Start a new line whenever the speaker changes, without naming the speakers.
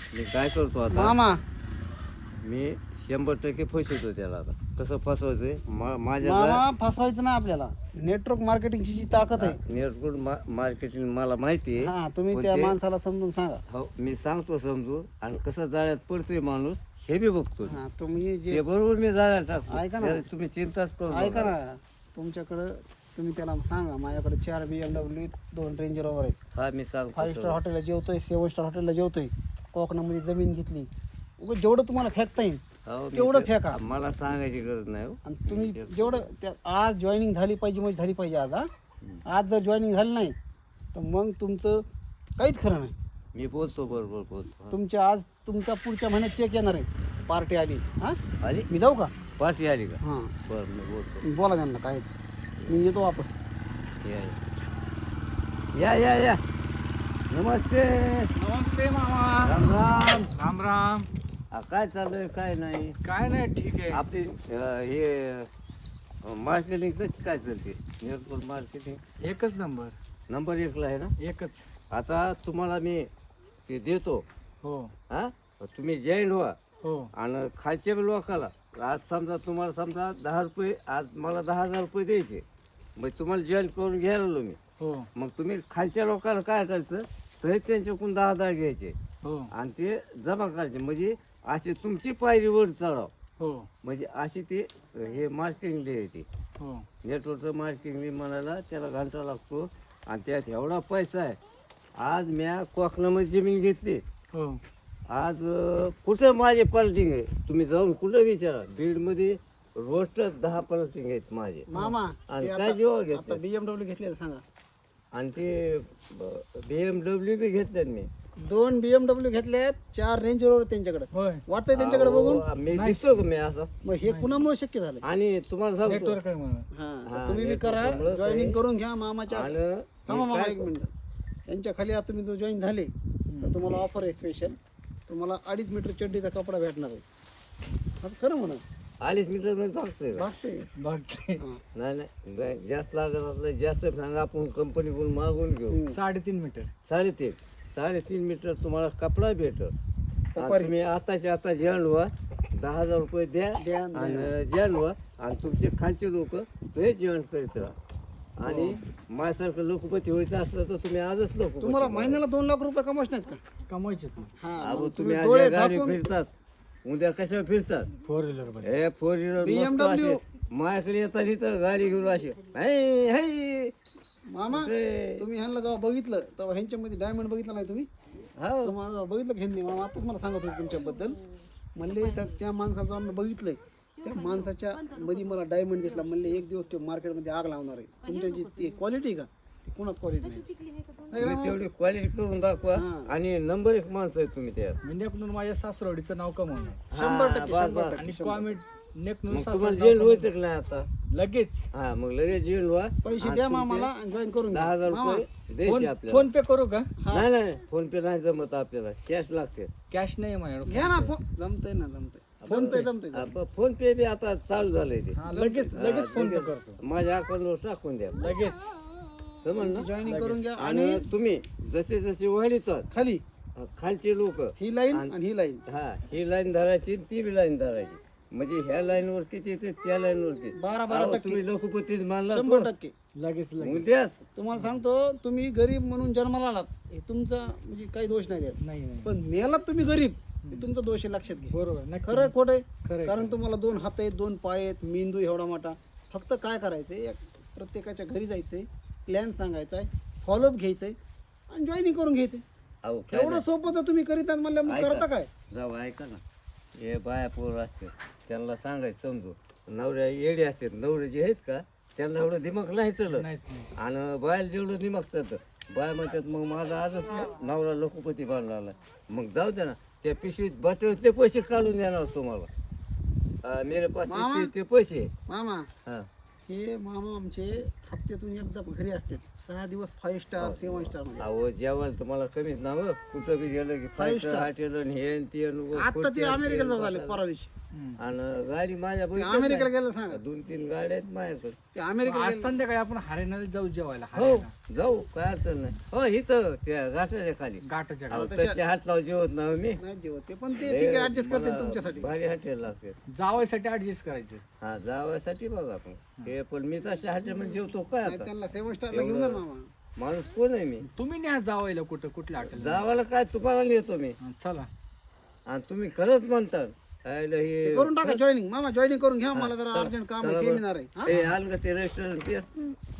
मी काय करतो आता
मामा
मी 100% फसवतो त्याला. आता कसं फसवायचंय माझ्या
मामा फसवायचं ना आपल्याला. नेटवर्क मार्केटिंगची जी ताकद आहे
नेटवर्क मार्केटिंग मला माहिती आहे.
हा तुम्ही
पण
त्या
ते-
माणसाला समजून सांगा.
हो मी सांगतो समजून, आणि कसं जाळ्यात पडतोय माणूस हे बी बघतो.
हा तुम्ही
ते
जे
बरोबर मी जाळ्यात टाकतो.
ऐका ना.
त्याला तुम्ही चिंताच करू
ऐका
नका.
ना, तुमच्याकडं तुम्ही त्याला सांगा माझ्याकडे 4 BMW 2 रेंज रोवर आहेत.
हा मी सांगतो
5 स्टार
सगळं.
हॉटेलला जेवतोय, 7 स्टार हॉटेलला जेवतोय, कोकणामध्ये जमीन घेतली. उगाच जेवढं तुम्हाला फेकता येईल
हो, मी
तेवढं
ते-
फेका.
मला सांगायची गरज नाही हो.
आणि तुम्ही जेवढं त्या आज जॉईनिंग झाली पाहिजे म्हणजे झाली पाहिजे आज. आज जर जॉईनिंग झाली नाही तर मग तुमचं काहीच खरं नाही.
मी बोलतो बरोबर बोलतो.
तुमच्या आज तुमचा पुढच्या महिन्यात चेक येणार आहे. पार्टी आली. हा
आली
मी जाऊ का?
पाठी आली का?
हां
बरं मी बोलतो.
तुम्ही बोला त्यांना काय मी येतो वापस.
या या या नमस्ते.
नमस्ते मामा.
राम राम.
राम राम.
काय चाललंय काय नाही?
काय नाही, ठीक आहे.
आपली हे मार्केटिंगच काय चालते? नेटवर्क मार्केटिंग
एकच नंबर.
नंबर 1ला आहे ना.
एकच.
आता तुम्हाला मी ते देतो.
हो
हा तुम्ही जॉईन व्हा.
हो
आणि खालच्या लोकाला आज समजा तुम्हाला समजा 10 रुपये, आज मला 10,000 रुपये द्यायचे. मग तुम्हाला जॉईन करून घ्यायला आलो मी.
हो
मग तुम्ही खालच्या लोकांना काय करायचं, तरी त्यांच्याकडून 10,000 घ्यायचे
हो
आणि ते जमा करायचे. म्हणजे अशी तुमची पायरी वर चढाव.
हो
म्हणजे अशी ते हे मार्केटिंग येते.
हो
नेटवर्कचं मार्केटिंग म्हणायला त्याला घंटा लागतो. आणि त्यात एवढा पैसा आहे. आज म्या कोकणामध्ये जमीन घेतली.
हो
आज कुठं माझे पलटिंग आहे तुम्ही जाऊन कुठं विचारा. बीडमध्ये रोज 10 पलटिंग आहेत माझे.
मामा
आणि
ते
काय जेव्हा
आता
घेतलं
BMW घेतलेलं सांगा.
आणि ते BMW बी घेतल्यात मी.
2 BMW घेतल्यात, 4 रेंज रोवर त्यांच्याकडे.
होय.
वाटतंय त्यांच्याकडे बघून.
अहो, मी दिसतो का मी असं?
मग हे कुणामुळे शक्य झालं?
आणि तुम्हाला सांगतो
नेटवर्क आहे म्हणून.
हा
हा,
तुम्ही बी करा,
त्याच्यामुळंच
जॉईनिंग
आहे.
करून घ्या मामाच्या.
आणि
थांबा
मी
मामा
काय
एक मिनिट. त्यांच्या खाली आता तुम्ही जो जॉईन झाले तर तुम्हाला ऑफर आहे स्पेशल. तुम्हाला 2.5 मीटर चड्डीचा कपडा भेटणार आहे. आता खरं म्हणा
आलीच मी तर बघतोय का?
भागते.
बघते.
नाही नाही जास्त लागत असलं जास्त सांगा, आपण कंपनीकडून मागून घेऊ.
3.5 मीटर.
3.5 मीटर तुम्हाला कपडा भेटल.
सफारी.
तुम्ही आताच्या आता जॉईन व्हा. 10,000 रुपये द्या
द्या.
आणि जॉईन व्हा. आणि तुमचे खालचे लोक ते जॉईन करीत राहा. आणि माझ्यासारखं लोकपती व्हायचं असलं तर तुम्ही आजच लोक.
तुम्हाला महिन्याला 2 लाख रुपये कमवायचे नाहीत का?
कमवायचे तू.
हा
अहो
मग
तुम्ही आज
डोळे
या गाडी
झाकून
फिरतात, उद्या कशा फिरतात.
4 व्हीलर मध्ये.
हे 4 व्हीलर
BMW.
माझ्याकडे येतात इथं गाडी घेऊन अशी है, है.
मामा
ते-
तुम्ही ह्यांना जेव्हा बघितलं तेव्हा ह्यांच्यामध्ये डायमंड बघितलं नाही तुम्ही?
हो
तुम्हाला जेव्हा बघितलं की ह्यांनी, मामा आताच मला सांगत होते तुमच्याबद्दल. म्हणले त्या माणसाचं आम्ही बघितलंय, त्या माणसाच्या मध्ये मला डायमंड दिसला. म्हणले एक दिवस ते मार्केटमध्ये आग लावणार आहे. तुमच्या जी ती क्वालिटी का ती कोणाच क्वालिटी नाही.
तुम्ही तेवढी क्वालिटी करून दाखवा. आणि नंबर 1 माणसं आहे तुम्ही त्यात.
म्हणजे माझ्या सासरवाडीचं नाव कमवणार.
100%,
बस, बस.
आणि कॉमेंट नेक
मग
म्हणून
तुम्हाला
सासरवाडी
जेल
नाव
व्हायचं का नाही आता?
कमवणार. लगेच.
हा मग लगेच जेल व्हा.
पैसे
आणि
द्या
तुमचे
मामाला आणि जॉईन करून घ्या.
10,000
मामा,
रुपये द्यायचे आपल्याला.
फोन पे करू का?
नाही नाही फोन पे नाही जमत आपल्याला, कॅश लागते.
कॅश नाही माझ्याकडे.
घ्या ना फोन. जमतंय ना जमतंय. फोन पे जमतंय.
फोन पे बी आता चालू झालंय ते.
हा, लगेच लगेच फोन पे करतो.
माझ्या अकाउंटवर टाकून द्या.
लगेच.
समजलं?
जॉईनिंग करून घ्या.
आणि
आणि
तुम्ही जसे जसे वाढतात
खाली
खालचे लोक,
ही लाईन आणि ही लाईन
हा ही लाईन धरायची ती बी लाईन धरायची. म्हणजे ह्या लाईन वर किती येते त्या लाईन वर किती.
12%
तुम्ही लोकपतीच मानला
100%.
लगेच लगेच.
उद्याच
तुम्हाला सांगतो, तुम्ही गरीब म्हणून जन्माला आलात हे तुमचा म्हणजे काही दोष नाही त्यात.
नाही नाही.
पण मेलात तुम्ही गरीब हे तुमचा दोष आहे, लक्षात घ्या.
बरोबर. नक्की.
खरं खोट आहे.
खरं आहे.
कारण तुम्हाला 2 हात आहेत, 2 पाय आहेत, मेंदू एवढा मोठा. फक्त काय करायचंय, प्रत्येकाच्या घरी जायचंय, प्लॅन सांगायचा आहे, फॉलोअप घ्यायचंय आणि जॉईनिंग करून घ्यायचंय.
अहो काय
एवढं सोपं तर तुम्ही करीत आहात म्हणलं, मग
ऐका.
करता काय?
जाऊ ऐका ना, हे बाया पोर असते त्यांना सांगायचं समजू. नवऱ्या येडे असतात, नवरे जे आहेत का त्यांना एवढं दिमाग नाही चलत.
नाहीच नाही.
आणि बायला जेवढं दिमाग चालतं बाय म्हणतात मग माझा आजच नवरा लोकपती बांधला आला. मग जाऊ द्या ना, त्या पिशवीत बसले ते पैसे काढून देणार तुम्हाला. मेरे पास
मामा.
ते पैसे.
मामा
हा
हे मामा आमचे हप्त्यातून एकदा घरी असते 6 दिवस 5 स्टार 7 स्टार मध्ये
अहो जेवायला तुम्हाला कमीच ना हो. कुठं बी गेलं की फाईव्ह स्टार हॉटेल आणि हे आणि ते आणि वर
आता ते
खुर्च्या आणि
अमेरिकेला
ते
जाऊन आले परवा दिवशी
आणि गाडी माझ्या
ते
बहिणीकडे
अमेरिकेला गेलं सांगा
आहे. 2-3 गाड्या आहेत माझ्याकडे.
ते अमेरिकेला
आज
गेलं.
संध्याकाळी आपण हरियाणाला जाऊ जेवायला
हो
हरियाणा
जाऊ काय अडचण नाही. हो इथं त्या घासाच्या खाली
गाठाच्या
अहो, त्याचे हात लाव जेवत ना मी
नाही जेवत ते पण ते ठीक आहे ऍडजस्ट करते
मला
तुमच्यासाठी
भारी हॉटेल लागते.
जावायसाठी ऍडजस्ट करायचे
हा जावासाठी बघा आपण हे पण मी तशा हॉटेल मध्ये जेवतो काय
नाही
आता
त्यांना 7 स्टारला घेऊन जा मामा
माणूस कोण आहे मी
तुम्ही न्या जावायला कुठं कुठल्या हॉटेल
जावाला काय तुम्हाला येतो मी
चला
आणि तुम्ही खरंच म्हणता आयलं हे
करून टाका जॉईनिंग मामा जॉईनिंग करून घ्या मला जरा अर्जंट काम आहे सेमिनार आहे हा?
ते आलं का ते रेस्टॉरंट ते